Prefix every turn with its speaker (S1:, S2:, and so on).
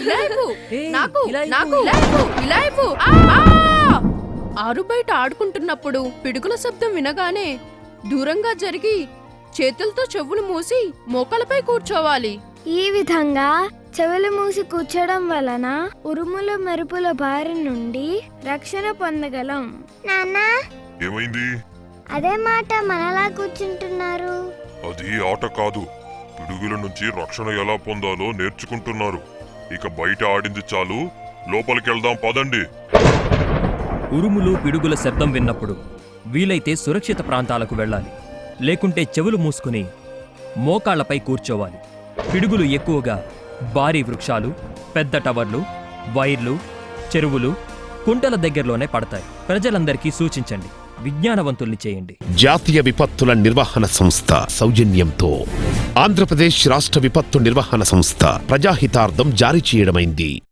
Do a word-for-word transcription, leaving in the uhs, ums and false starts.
S1: ఆరు బయట ఆడుకుంటున్నప్పుడు పిడుగుల శబ్దం వినగానే దూరంగా జరిగి చేతులతో చెవులు మూసి మోకాలపై కూర్చోవాలి.
S2: ఈ విధంగా చెవులు మూసి కూర్చోడం వలన ఉరుముల మెరుపుల బారి నుండి రక్షణ పొందగలం. నాన్నా,
S3: ఏమైంది?
S2: అదే మాట మనలా కూర్చుంటున్నారు.
S3: అది ఆట కాదు, పిడుగుల నుంచి రక్షణ ఎలా పొందాలో నేర్చుకుంటున్నారు. ఇక బయట ఆడింది చాలు, లోపలికెళ్దాం పదండి.
S4: ఉరుములు పిడుగుల శబ్దం విన్నప్పుడు వీలైతే సురక్షిత ప్రాంతాలకు వెళ్ళాలి. లేకుంటే చెవులు మూసుకుని మోకాళ్లపై కూర్చోవాలి. పిడుగులు ఎక్కువగా భారీ వృక్షాలు, పెద్ద టవర్లు, వైర్లు, చెరువులు, కుంటల దగ్గరలోనే పడతాయి. ప్రజలందరికీ సూచించండి, విజ్ఞానవంతుల్ని చేయండి.
S5: జాతీయ విపత్తుల నిర్వహణ సంస్థ సౌజన్యంతో ఆంధ్రప్రదేశ్ రాష్ట్ర విపత్తు నిర్వహణ సంస్థ ప్రజాహితార్థం జారీ చేయడమైంది.